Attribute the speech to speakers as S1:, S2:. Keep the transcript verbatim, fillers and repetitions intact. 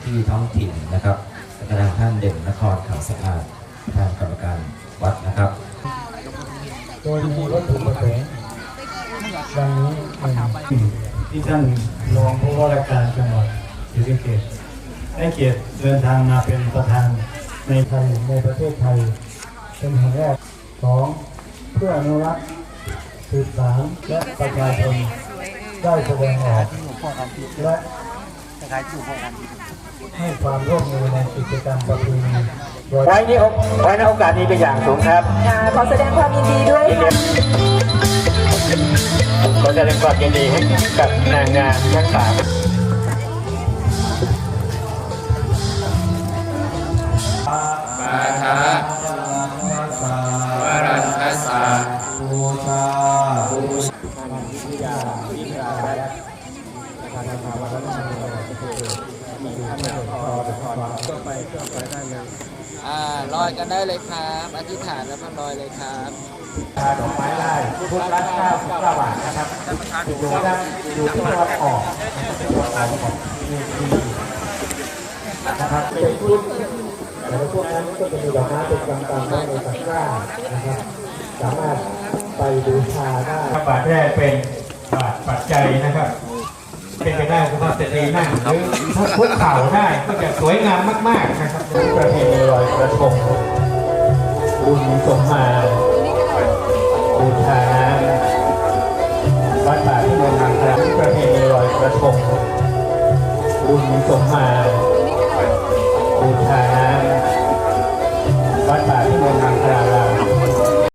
S1: ที่ท้องถิ่นนะครับและทางท่านเด่นนครขาวสะอาดทางกรรมการวัดนะครับ
S2: โดยมีวัตถุประสงค์ดังนี้ที่ท่านรองผู้ว่าราชการจังหวัดศรีสะเกษได้เกียรติเดินทางมาเป็นประธานในไทยในประเทศไทยเป็นแห่งแรกสองเพื่ออนุรักษ์สืบสานและประชาชนได้แสดงออกและให้ความร่วมมือในกิจกรรมประเพณีไว้นี้ไว้ในโอกาสนี้เป็นอย่างสูงครับ
S3: ขอแสดงความยินดีด้วยค่ะ
S2: ขอแสดงความยินดีให้กับนางงามทั้งสาม
S4: ปาทะวรันทัสสะบูชาบูชาอ่าลอยกันได้เลยครับอธิษฐานแล้วก็ลอยเลยครับ
S2: ดอกไม้ไล่พุทธละเก้าสิบเก้าบาทนะครับอยู่ด้านอยู่ที่ตะวันออกตะวันออกของเวทีนะครับเป็นพุทธแต่พวกนั้นก็จะมีดอกไม้เป็นกำกำไว้ในตะกร้านะครับสามารถไปบูชาได้บาทแรกเป็นบาทปัจจัยนะครับเป็นไปได้คุณพ่อเสรีนั่งหรือพุกเข่าได้ก็จะสวยงามมากๆนะครับประเพณีลอยกระทงบุญสมมาบูชาน้ำวัดป่าที่เมืองทางคราประเพณีลอยกระทงบุญสมมา